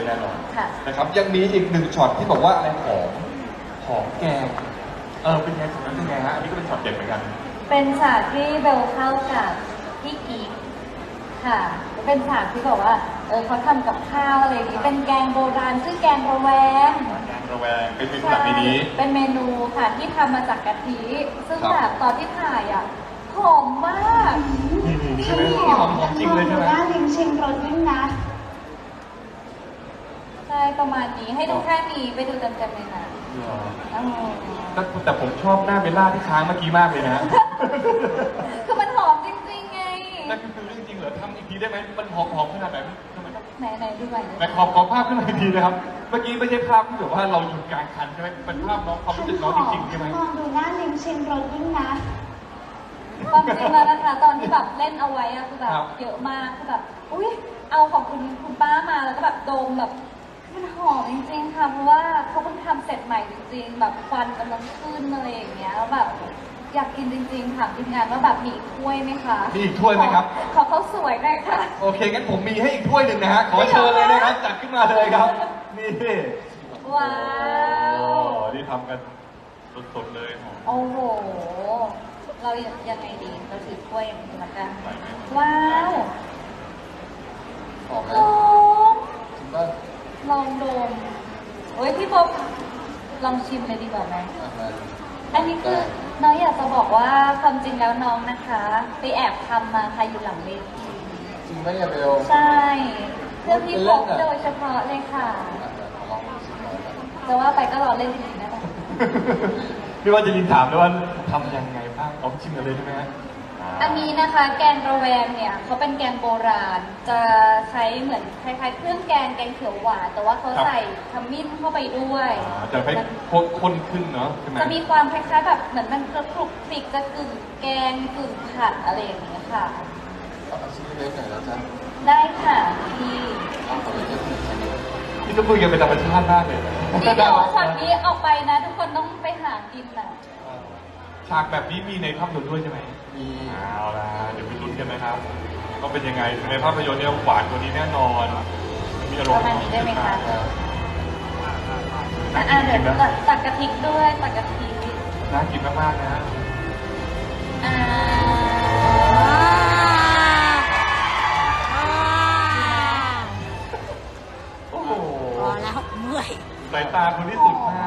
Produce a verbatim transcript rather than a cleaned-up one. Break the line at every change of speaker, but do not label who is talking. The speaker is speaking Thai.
แน่นอนนะครับยังมีอีกหนึ่งช็อตที่บอกว่าอะไรหอมหอมแกงเออเป็นไงตรงนั้นเป็นไงฮะอันนี้ก็เป็นช็อตเด็ดเหมือนกัน
เป็นฉากที่เบลเข้ากับพี่กีค่ะเป็นฉากที่บอกว่าเออเขาทำกับข้าวอะไรอย่างนี้เป็นแกงโบราณชื่อแกงระแวง
แกงระแวงเป็นเมนูแบบนี้
เป็นเมนูค่ะที่ทำมาจากกะทิซึ่งแบบตอนที่ถ่ายอ่ะหอมมาก
นี่นี่ใช่ไหมหอมหอมจริงเลยใช่ไหม
น่าลิ้มชิมรสยิ่งนะ
ใช่ประมาณนี้ให้ดูแค่นี้ไปดูเต็มๆเลยนะ
แต่ผมชอบหน้าเบลล่าที่ค้างเมื่อกี้มากเลยนะ
คือมันหอมจริงๆไง
นั่นคือเรื่องจริงเหรอทำอีกทีได้ไหมมันหอมหอมขนาดไหนทำไมต้อง
ไหนไหนดูไป
ไหนขอขอภาพขึ้นมาอีกทีนะครับเมื่อกี้ไม่ใช่ภาพที่แบบว่าเราอยู่กลางคันใช่ไหมเป็นภาพน้องความรู้สึกน้องจริงๆใช่ไหม
มองดูหน้าลิ้มชิมรสยิ่งนะ
ความจริงแล้วนะคะตอนที่แบบเล่นเอาไว้อะคือแบบเยอะมากคือแบบอุ้ยเอาของคุณคุณป้ามาแล้วก็แบบโดมแบบมันหอมจริงๆค่ะเพราะว่าเขาเพิ่งทำเสร็จใหม่จริงๆแบบควันกำลังขึ้นอะไรอย่างเงี้ยแล้วแบบอยากกินจริงๆถามทีมงานว่าแบบมีอีกถ้วยไหมคะ
มีอีกถ้วยไหมครับ
ขอเขาสวยหน่อยค่ะ
โอเคงั้นผมมีให้อีกถ้วยหนึ่งนะฮะขอเชิญเลยนะครับจัดขึ้นมาเลยครับนี่
ว้าว
นี่ทำกันสดๆเลย
โอ้โหเรายังไงดีเราถือถ้วยอย่างนี้ละกันว้าว
หอมไหมจริงป่ะ
ลองดมเฮ้ยพี่บ๊อบลองชิมเลยดีกว่าไหมอันนี้คือน้องอยากจะบอกว่าความจริงแล้วน้องนะคะไปแอบทำมาค่ะอยู่หลังเวที
จริงไหมอย่าเบล
ใช่เพื่อพี่บ๊อบโดยเฉพาะเลยค่ะจะว่าไปก็รอเล่นจริงๆนะคะ
พี่ว่าจะยินถามด้วยว่าทำยังไงบ้างเอาชิมกันเลยใช่ไหม
อันนี้นะคะแกงระแวงเนี่ยเขาเป็นแกงโบราณจะใช้เหมือนคล้ายๆเครื่องแกงแกงเขียวหวานแต่ว่าเขาใส่ขมิ้นเข้าไปด้วย
จะให้ข้นขึ้นเนาะ
จะมีความคล้ายๆแบบเหมือนมันคลุกคลิกจะกึ่งแกงกึ่งผัดอะไรอย่างเงี้ยค่ะ
เอาชิ้นเล็กหน่อยแล้วจ้ะ
ได้ค่ะพี่
พี่ต้องคุยกันเป็นธรรมชาติมากเลย
นี่เดี๋ยวฉากนี้ออกไปนะทุกคนต้องไปหากินน่ะ
ฉากแบบนี้มีในภาพยนตร์ด้วยใช่ไหมมีเอาละเดี๋ยวไปลุ้นกันนะครับก็เป็นยังไงในภาพยนตร์เนี่ยหวานกว่านี้แน่นอนมีอารมณ์
ประมาณนี้ได้ไหมคะอ่าเดี๋ยวตักกะทิด้วยตักกะทิ
น่ากินมากๆนะ
อ่า
โอ้โห
พอแล้วเมื่อย
สายตาคนที่สุดมาก